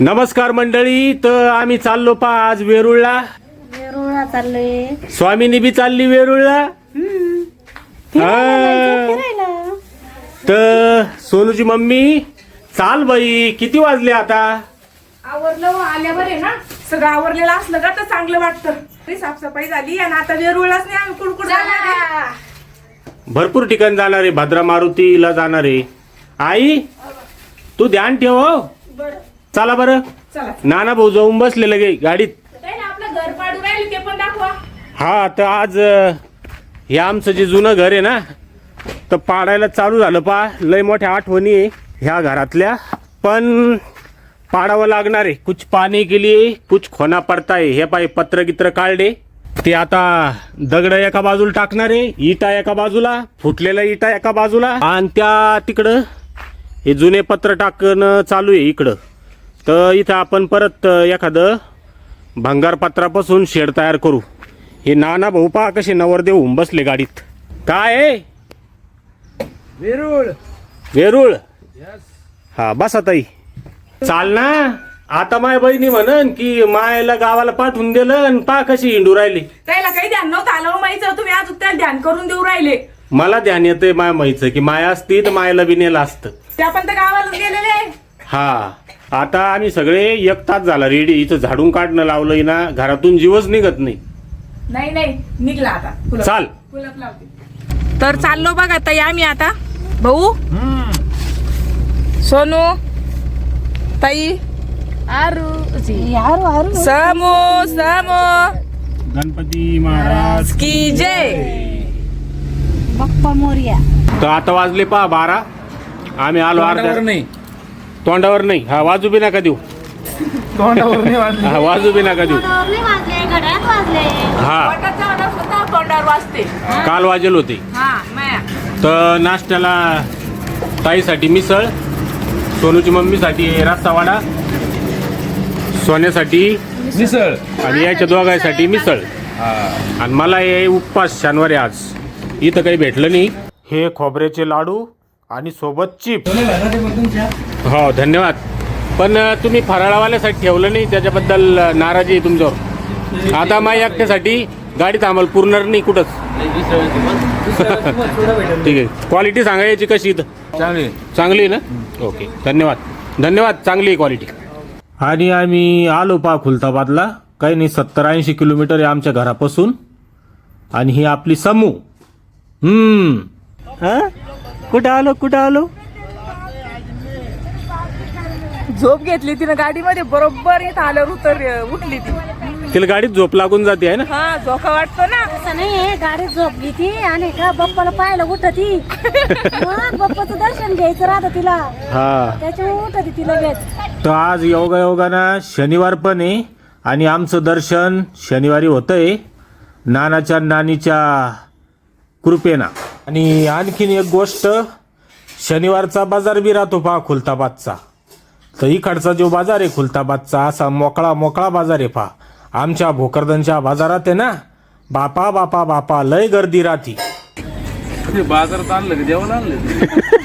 नमस्कार मंडळी. तर आम्ही चाललो पा आज वेरूळला. वेरूळला चाललोय. स्वामीनी बी चालली वेरूळला. फिरायला. तर सोनूची मम्मी चाल बाई, किती वाजले आता? आवरलं आल्यावर आहे ना, सगळं आवरलेलं असलं का तर चांगलं वाटतं. तरी साफसफाई झाली आणि आता वेरूळलाच नाही आम्ही कुडकुड जाणार आहे. भरपूर ठिकाण जाणार आहे. भद्रा मारुतीला जाणार आहे. आई तू ध्यान ठेव हो. बरं चला बरं. चला, नाना भाऊ जाऊन बसले लगे गाडीत. काही ना आपलं घर पाडून राहिले ते पण दाखवा. हा तर आज हे आमचं जे जुनं घर आहे ना, तर पाडायला चालू झालं पा. लय मोठ्या आठवणी आहे ह्या घरातल्या, पण पाडावं लागणार आहे. कुछ पाणी के लिए कुछ खोना पडता है. हे पाय पत्र गित्र काढले, ते आता दगड एका बाजूला टाकणार आहे, इटा एका बाजूला, फुटलेला इटा एका बाजूला, आणि त्या तिकडं हे जुने पत्र टाकणं चालू आहे इकडं. तर इथं आपण परत एखादं भंगार पत्रापासून शेड तयार करू. हे नाना भाऊ पहा कसे नवरदेव होऊन बसले गाडीत. काय आहे? वेरूळ. वेरूळ. हा बसा ताई. चाल ना. आता माय बहिणी म्हणन की मायला गावाला पाठवून दिलं आणि पा कशी हिंडू राहिली. त्याला काही ध्यान नव्हतं आलं माहिती, तुम्ही आज त्याला ध्यान करून देऊ राहिले. मला ध्यान येतंय माय माईचं की माया असती तर मायला बी नेलं असतं. त्या पण तर गावाला गेलेले. हा आता आम्ही सगळे एक तास झाला रेडी. इथं झाडून काढणं लावलंय ना, घरातून जीवच निघत नाही. नाही निघला आता. चाल. कुलप लावते. तर चाललो बघा ताई आम्ही आता. भाऊ, सोनू, ताई, समो गणपती महाराज की जय. बाप्पा मोरया. तर आता वाजले पहा 12. आम्ही आलो अर्ध्या. नाही, तोंडावर नाही. हा वाजू बी नका देऊ. तोंडावर नाही वाजली. हा वाजू बी नका देऊ. तोंडावर वाजले, घड्याळात वाजले. हा पोटाचा आवाज होता, तोंडावर वाजते. काल वाजेल होते. हा माया. तर नाश्त्याला ताईसाठी मिसळ, सोनूची मम्मीसाठी रस्सा वडा, सोन्यासाठी मिसळ. आणि याच्या दोघांसाठी मिसळ. आणि मला हे उपवास शनिवारी आज. इथं काही भेटलं नाही. हे खोबऱ्याचे लाडू आणि सोबत चिप. हो धन्यवाद. पण तुम्ही फराळावाल्यासाठी ठेवलं नाही, त्याच्याबद्दल नाराजी आहे तुमच्यावर. आता माझ्या एकट्यासाठी गाडीत आम्हाला पुरणार नाही कुठंच. ठीक आहे. क्वालिटी सांगा याची कशी इथं? चांगली आहे ना. ओके धन्यवाद. धन्यवाद. चांगली आहे क्वालिटी. आणि आम्ही आलो पा खुलताबादला. काही नाही 70-80 किलोमीटर आहे आमच्या घरापासून. आणि ही आपली समू. कुठं आलो? झोप घेतली तिनं गाडीमध्ये, बरोबर येत आल्यावर उठली ती. तिला गाडीत झोप लागून जाते आहे ना. हा झोका वाटतो ना. असं नाही, गाडीत झोपली ती आणि का बाप्पाला पाहायला उठती. मग बाप्पाचं दर्शन घ्यायचं राहतं तिला, हा त्याच्यामुळे उठती ती लगेच. तर आज योगायोगानं शनिवार पण आहे आणि आमचं दर्शन शनिवारी होतंय नानाच्या नानीच्या कृपेना. आणि आणखीन एक गोष्ट, शनिवारचा बाजार बी राहतो पहा खुलताबादचा. तर इकडचा जो बाजार आहे खुलताबादचा, असा मोकळा बाजार आहे पहा. आमच्या भोकरदनच्या बाजारात आहे ना, बापा लय गर्दी राहती. बाजारात आणलं का जेवण आणलं?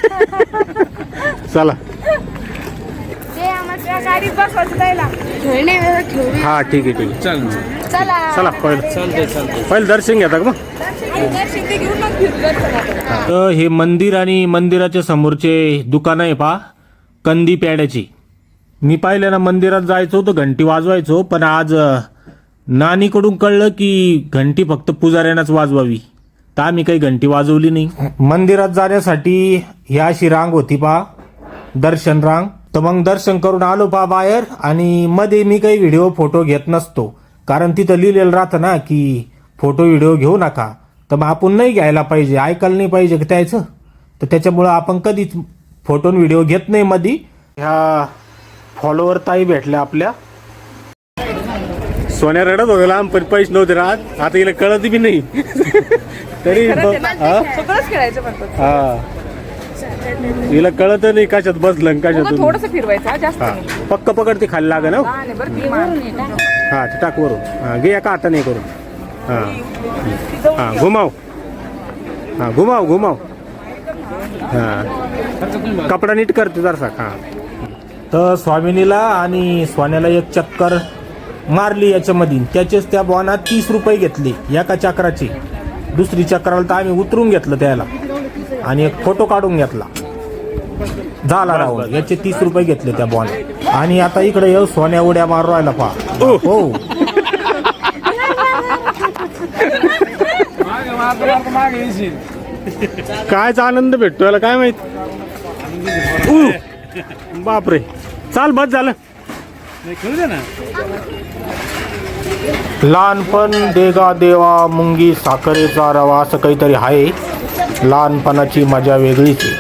चला. ते आम्हाला गाडीत बसवायचं त्याला. हा ठीक आहे. चल चला पहिलं दर्शन घेता का मग? दर्शन ते घेऊन मग फिरू दर्शनाला. तर हे मंदिर आणि मंदिराच्या समोरचे दुकान आहे पहा, कंदी पेड्याची. मी पाहिलं ना, मंदिरात जायचो तर घंटी वाजवायचो, पण आज नानीकडून कळलं की घंटी फक्त पुजाऱ्यांनाच वाजवावी, तर आम्ही काही घंटी वाजवली नाही. मंदिरात जाण्यासाठी ही अशी रांग होती पहा, दर्शन रांग. तर मग दर्शन करून आलो पहा बाहेर. आणि मध्ये मी काही व्हिडिओ फोटो घेत नसतो, कारण तिथं लिहिलेलं राहतं ना की फोटो व्हिडिओ घेऊ नका. तर मग आपण नाही घ्यायला पाहिजे, ऐकायला नाही पाहिजे त्याचं. तर त्याच्यामुळं आपण कधीच फोटो व्हिडिओ घेत नाही मध्ये. ह्या फॉलोवर ताई भेटल्या आपल्या. सोन्या रडत होत्या लहानपणी, पैसे नव्हते राहत. आता हिला कळत बी नाही. तरी सगळंच खेळायचं म्हणतात. हा हिला कळत नाही कशात बसलं कशातून. थोडस फिरवायचं हा, जास्त हा नाही. पक्क पकड ते खाली लागे ना. लहान आहे बरं ती मान. हा ते टाक वरून. हा घे एका हाताने करून. हा घुमाव. हा कपडा नीट करते जरसा. हा तर स्वामिनीला आणि सोन्याला एक चक्कर मारली याच्यामध्ये, त्याचेच त्या बॉनात 30 रुपये घेतले एका चक्राचे. दुसरी चक्राला तर आम्ही उतरून घेतलं त्याला आणि एक फोटो काढून घेतला, झाला राहून. याचे 30 रुपये घेतले त्या बॉन. आणि आता इकडे येऊ सोन्या उड्या मारू राहिला पहा. हो मागे येशील. कायचा आनंद भेटतो याला काय माहित. बापरे, चाल बस झालं. खेळू दे ना. लहानपण देगा देवा मुंगी साखरेचा रवा असं काहीतरी आहे. लहानपणाची मजा वेगळीच आहे.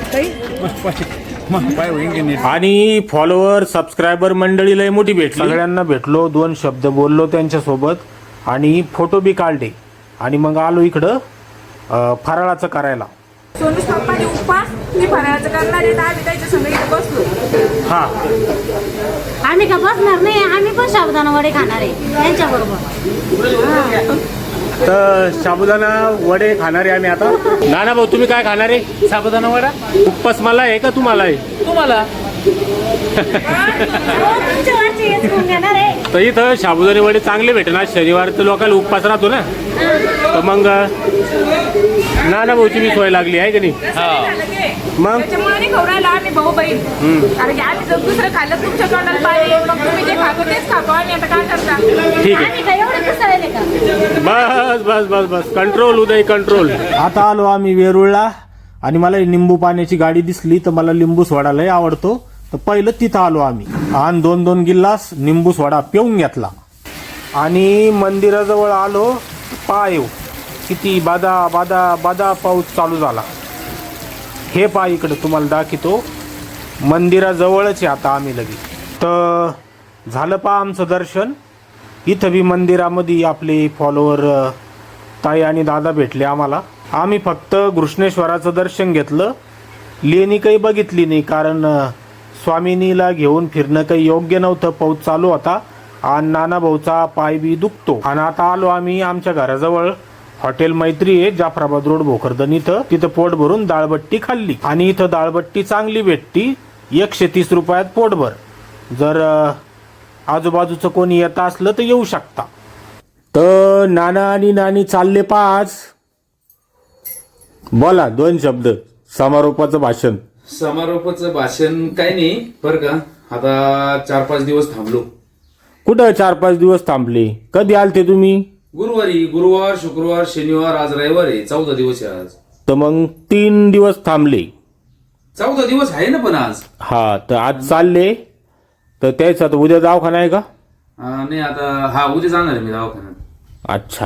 पाय होईन की नीट. आणि फॉलोअर सबस्क्रायबर मंडळी लय मोठी भेटली. सगळ्यांना भेटलो, 2 शब्द बोललो त्यांच्यासोबत आणि फोटो बी काढले. आणि मग आलो इकडं फराळाचं करायला. सोनूच पप्पाने उपवास मी फराळाचं करणार आहे, तर आम्ही त्याच्या संग इथे बसलो. हा, आम्ही का बसणार नाही, आम्ही पण साबुदाणा वडे खाणार आहे त्यांच्याबरोबर. तर साबुदाणा वडे खाणार आहे आम्ही आता. नाना भाऊ तुम्ही काय खाणार आहे? साबुदाणा वडा उपवास मला आहे का तुम्हाला आहे? तुम्हाला. तुमच्या वरचे हेच घेऊन घेणार आहे. तर इथं साबुदाणे वडे चांगले भेटणार. शनिवार तर लोकांना उपवास राहतो ना, तर मग नाना भाऊची बी सोय लागली आहे का नाही? मग त्याच्यामुळे नाही खाऊ राहिला आम्ही भाऊ बहीण. कारण की आम्ही जर दुसरं खाल्लं तुमच्या तोंडाला पाणी, मग तुम्ही जे खातो तेच खातो आम्ही. आता काय करता? ठीक आहे. आम्ही काय एवढे दिसायले का? बस बस बस बस, कंट्रोल उदय कंट्रोल. आता आलो आम्ही वेरूळला आणि मला लिंबू पाण्याची गाडी दिसली, तर मला लिंबू सोडा लय आवडतो. तर पहिलं तिथं आलो आम्ही आणि 2-2 गिल्लास लिंबू सोडा पिऊन घेतला. आणि मंदिराजवळ आलो, पाय किती बादा बादा बादा पाऊस चालू झाला. हे पाय इकडे तुम्हाला दाखवतो, मंदिराजवळच आहे आता आम्ही लगेच. तर झालं पहा आमचं दर्शन. इथं बी मंदिरामध्ये आपले फॉलोअर ताई आणि दादा भेटले आम्हाला. आम्ही फक्त घृष्णेश्वराचं दर्शन घेतलं, लेणी काही बघितली नाही, कारण स्वामिनीला घेऊन फिरणं काही योग्य नव्हतं. पाऊस चालू होता आणि नाना भाऊचा पाय बी दुखतो. आणि आता आलो आम्ही आमच्या घराजवळ हॉटेल मैत्री आहे, जाफराबाद रोड भोकरदन. तिथं पोट भरून डाळबट्टी खाल्ली. आणि इथं डाळबट्टी चांगली भेटती, 130 रुपयात पोटभर. जर आजूबाजूचं कोणी येत असलं तर येऊ शकता. तर नाना आणि नानी चालले पाच. बोला 2 शब्द समारोपाचं भाषण. समारोपाचं भाषण काही नाही बरं का. आता 4-5 दिवस थांबलो. कुठं 4-5 दिवस थांबले? कधी आलते तुम्ही? गुरुवारी, गुरुवार, शुक्रवार, शनिवार, आज रविवार आहे. 14 दिवस आहे आज. तर मग 3 दिवस थांबले. 14 दिवस आहे ना पण आज. हा, तर आज चालले. तर त्याच आता उद्या दवाखाना आहे का? नाही आता उद्या जाणार आहे मी दवाखान्यात. अच्छा,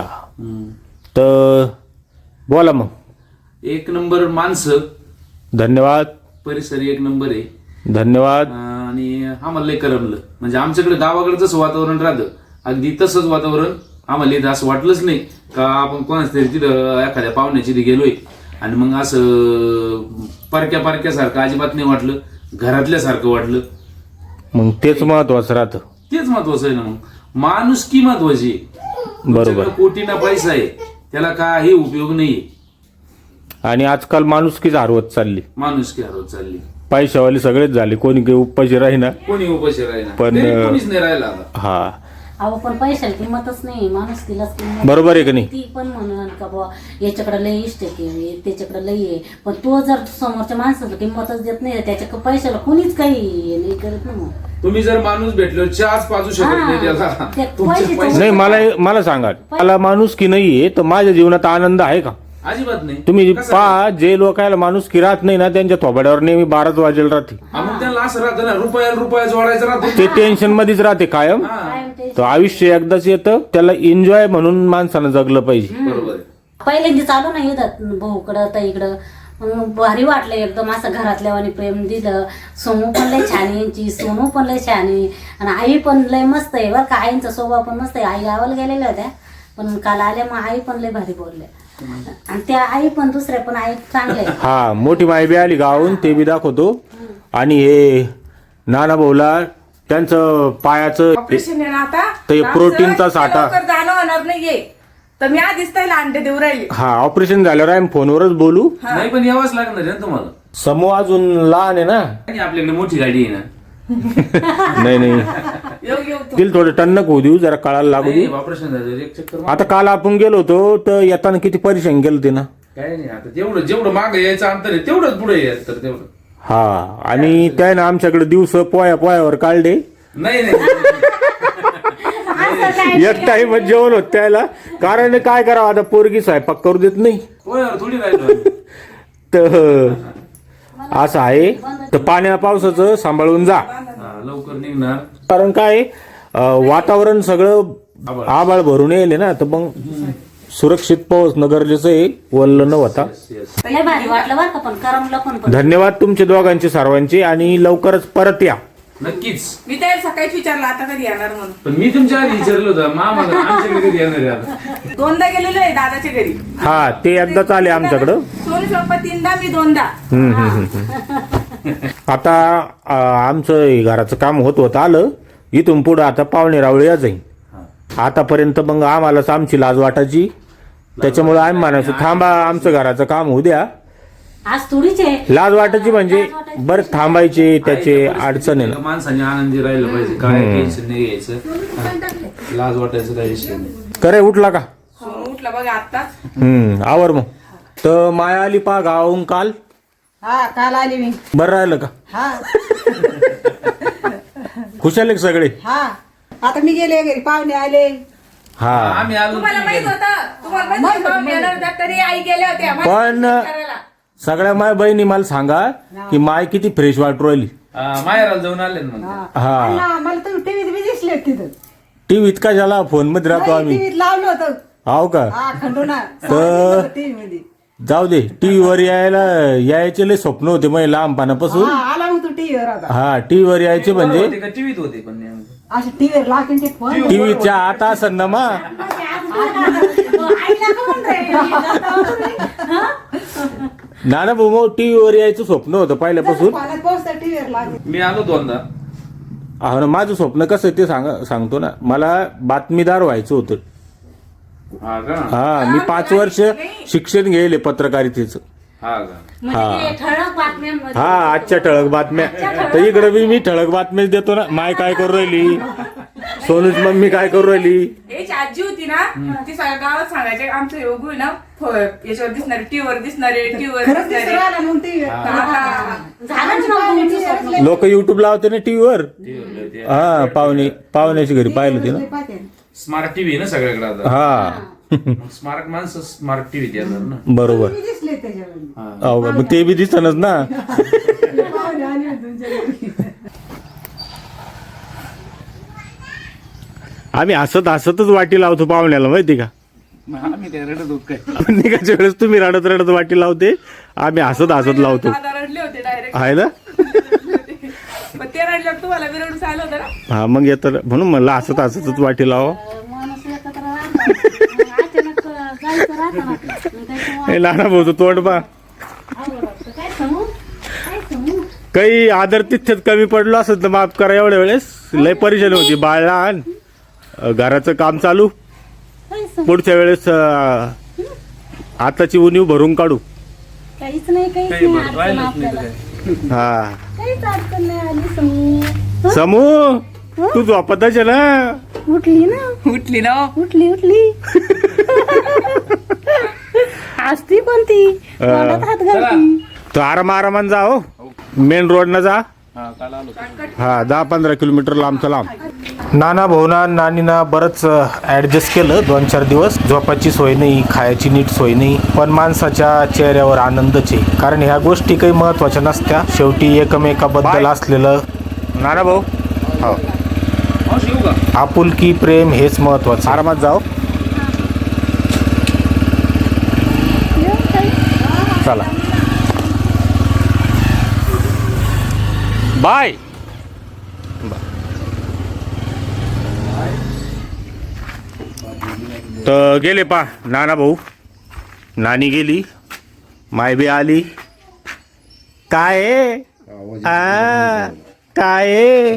तर बोला मग. 1 नंबर माणसं, धन्यवाद. परिसर 1 नंबर आहे. धन्यवाद. आणि आम्हाला लय करमलं. म्हणजे आमच्याकडे गावाकडे जसं वातावरण राहतं अगदी तसंच वातावरण आम्हाला इथं असं वाटलंच नाही का आपण कोणाच तरी तिथं एखाद्या पाहुण्याची तिथे गेलोय. आणि मग असं परक्यासारखं अजिबात नाही वाटलं, घरातल्यासारखं वाटलं. मग तेच महत्वाचं राहतं. तेच महत्वाचं आहे ना. मग माणुसकी महत्वाची आहे. बरोबर. कोटीना पैसा आहे त्याला काही उपयोग नाहीये. आणि आजकाल माणुसकीच हरवत चालली. माणुसकी हरवत चालली. पैशावाले सगळेच झाले, कोणी काही उपाशी राहीना. कोणी उपाशी राहिला, पण कोणीच नाही राहिला आता. हा, अहो पण पैशाला किंमतच नाही, माणूस तिलाच किंमत. बरोबर आहे का नाही? ती पण म्हणून का बुवा याच्याकडे लय इष्ट आहे, त्याच्याकडे लय आहे, पण तो जर समोरच्या माणसाला किंमतच देत नाही, त्याच्या पैशाला कोणीच काही नाही करत ना. मग तुम्ही जर माणूस भेटलो चहाच पाजू शकत नाही त्याला. ते तुमचे पैसे- पैसे नाही, मला सांगा, मला माणुसकी नाहीये तर माझ्या जीवनात आनंद आहे का? अजिबात नाही. तुम्ही कसं पहा, जे लोकांना माणुसकी राहत नाही ना, त्यांच्या थोबाड्यावर नेहमी 12च वाजेल राहते. मग त्याला असं राहतं ना, रुपया जोडायचं राहतं. ते टेन्शन मध्येच राहते कायम. काय ते तर आयुष्य एकदाच येतं, त्याला एन्जॉय म्हणून माणसानं जगलं पाहिजे. बरोबर आहे. पहिल्यांदा चालू नाही येतात भाऊकडं ताईकडं, मग भारी वाटलं एकदम. असं घरातल्यावानी प्रेम दिलं. सोनू पण लय छान आहे यांची, सोनू पण लय छान आहे, आणि आई पण लय मस्त आहे बरं का. आईंचा स्वभाव पण मस्त आहे. आई गावाला गेलेल्या होत्या, पण काल आल्या, मग आई पण लय भारी बोलल्या. आणि त्या आई पण दुसऱ्या पण आई चांगल्या आहे. हा, मोठी माई बी आली गावून, ते बी दाखवतो. आणि हे नाना भाऊला त्यांचं पायाचं ऑपरेशन आहे ना आता, ते प्रोटीनचा साठा. लवकर जाणं होणार नाहीये, तर मी आधीच त्याला अंडे देऊ राहिले. हा, ऑपरेशन झाल्यावर आम्ही फोनवरच बोलू. नाही पण यावंच लागणार आहे ना तुम्हाला. समूह अजून लहान आहे ना. आणि आपल्याकडे मोठी गाडी आहे ना, नाही नाही येऊ तू. तिला थोडं टणक होऊ देऊ, जरा कळायला लागू देऊ. ऑपरेशन झालं एक चक्कर आता काल आपण गेलो होतो तर येताना किती परेशान गेलो ते ना. काय नाही आता जेवढं मागं यायचं अंतर आहे तेवढंच पुढे यायचं तर तेवढं. हा, आणि त्या ना आमच्याकडे दिवस पोयावर काढले. नाही एक टाइम जेवण होत त्याला, कारण काय करावं आता, पोरगी स्वयंपाक करू देत नाही पोयावर थोडी राहिलो. तर असं आहे. तर पाण्या पावसाचं सांभाळून जा, लवकर निघणार. कारण काय वातावरण सगळं आबाळ भरून येईल ना, तर मग सुरक्षित पोहोचणं गरजेचं आहे, वल्ल न होता. लय भारी वाटलं बरं का, पण करमलं पण. धन्यवाद तुमचे दोघांचे सर्वांचे, आणि लवकरच परत या. नक्कीच. मी त्याला सकाळीच विचारलं आता कधी येणार म्हणून. पण मी तुमच्या आधी विचारलं होतं मामा आमच्याकडे कधी येणार आहे आता. दोनदा गेलेलो आहे दादाच्या घरी. हा, ते एकदाच आले आमच्याकडं. सोनू पप्पा 3दा, मी 2दा. आता आमचं हे घराचं काम होत आलं, इथून पुढं आता पाहुणे रावळे या जाईल. आतापर्यंत मग आम्हालाच आमची लाज वाटायची, त्याच्यामुळे आम्ही म्हणायचो थांबा आमचं घराचं काम होऊ द्या. आज थोडीच आहे लाज वाटायची म्हणजे बरं थांबायचे, त्याचे अडचण आहे ना. माणसाने आनंदी राहिलं पाहिजे, काय टेन्शन नाही घ्यायचं, लाज वाटायचं काही विषय नाही. करे उठला का? सोनू उठला बघा आत्ताच. आवर मग. तर माया आली पा गावाहून काल. हा, काल आली मी. बरं राहिलं का? हा खुशाल आहे का सगळे? हा, आता मी गेले घरी, पाहुणे आले. हा, आम्ही आलो. तुम्हाला माहित होतं, तुम्हाला माहित होतं येणार होत्या, तरी आई गेल्या होत्या. पण सगळ्या माय बहिणी मला सांगा की माय किती फ्रेश वाटू राहिली. माहेराला जाऊन आले ना मग. हा, अण्णा, मला तर टीव्हीत बी दिसले तिथं. टीव्हीत का झाला, फोन मध्ये राहतो आम्ही. टीव्हीत लावलं होतं. हाव का? हा, खंडोना तर टीव्ही मध्ये. जाऊ दे, टीव्हीवर यायचे लय स्वप्न होते मग लहानपणापासून. हा, आला मग तू टीव्हीवर आता. हा, टीव्हीवर यायचे म्हणजे ते का टीव्हीत होते पण नेमकं. अशा टीव्हीवर लागेल ते फोन. टीव्हीच्या आता असं ना मा. नाना भाऊ, मग टीव्हीवर यायचं स्वप्न होतं पहिल्यापासून. पाण्यात पोहोचता टीव्हीवर लागेल. मी आलो 2दा. हा ना, माझं स्वप्न कसं आहे ते सांगतो ना. मला बातमीदार व्हायचं होतं. हा का? हा, मी 5 वर्ष शिक्षण घेले पत्रकारितेचं. हा का? म्हणजे ते ठळक बातम्यांमध्ये. हा, आजच्या ठळक बातम्या. तर इकडे मी ठळक बातम्याच देतो ना. माय काय करू राहिली, सोनूच मम्मी काय करू राहिली. याची आजी होती ना, ती सगळ्या गावात सांगायचे आमचं योगू आहे ना, याच्यावर दिसणारे, टीव्हीवर दिसणारे, टीव्हीवर खरंच दिसू दिसणारे. राहिला मग टीव्हीवर. आता झालंच ना तुमचं स्वप्न. लोक युट्यूब लावते ना टीव्हीवर. टीव्हीवर ते हा, पाहुण्याच्या घरी पाहिलं ते ना. पाहते. स्मार्ट टीव्ही ना सगळ्याकडे आता. हा, मग स्मार्ट माणसं स्मार्ट टीव्हीत येणार ना. बरोबर. टीव्ही दिसले त्याच्यावर. अहो, मग ते बी दिसतच ना. पाहुणे आले होते तुमच्या घरी. आम्ही हसतच वाटी लावतो पाहुण्याला, माहिती का? आम्ही काय रडत होत काय. निघायच्या वेळेस तुम्ही रडत वाटी लावते, आम्ही हसत लावतो. दादा रडले होते डायरेक्ट. आहे ना? पण ते रडल्यावर तुम्हाला विरडून आलं होतं ना. हा, मग येतं म्हणून म्हणलं हसतच वाटी लावा. माणूस एकत्र राहतात. अचानक जायचं राहतं ना. मग त्याच्यामुळे हे लहान भाऊ तोंड बा. आवडत वाटतं. काय सांगू काही आदर तिथ्यात कमी पडलो असत तर माफ करा. एवढ्या वेळेस लय परेशानी होती, बाळ लहान, घराचं काम चालू. पुढच्या वेळेस आताची उणीव भरून काढू. काहीच नाही काही अडचण राहिलंच नाही आपल्याला. तर काय. हा, काहीच अडचण नाही आली. समू समू तू झोपतच आहे ना. उठली ना, उठली ना. उठली हसती पण ती, तोंडात हात घालती. तो आरामानं जा. हो, मेन रोड न जा. हा, काल आलो. हा, 10-15 किलोमीटर लांबचं लांब. नाना भाऊना नानीना बरंच ॲडजस्ट केलं 2-4 दिवस. झोपाची सोय नाही, खायची नीट सोय नाही, पण माणसाच्या चेहऱ्यावर आनंदच आहे. कारण ह्या गोष्टी काही महत्त्वाच्या नसत्या, शेवटी एकमेकाबद्दल असलेलं. नाना भाऊ, हो, मावशी येऊ का? आपुलकी, प्रेम हेच महत्त्वाचं. आरामात जाओ. चला, बाय. तर गेले पा नाना भाऊ, नानी गेली, माय बी आली. काय काय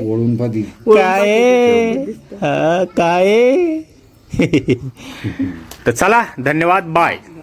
काय तर चला, धन्यवाद, बाय.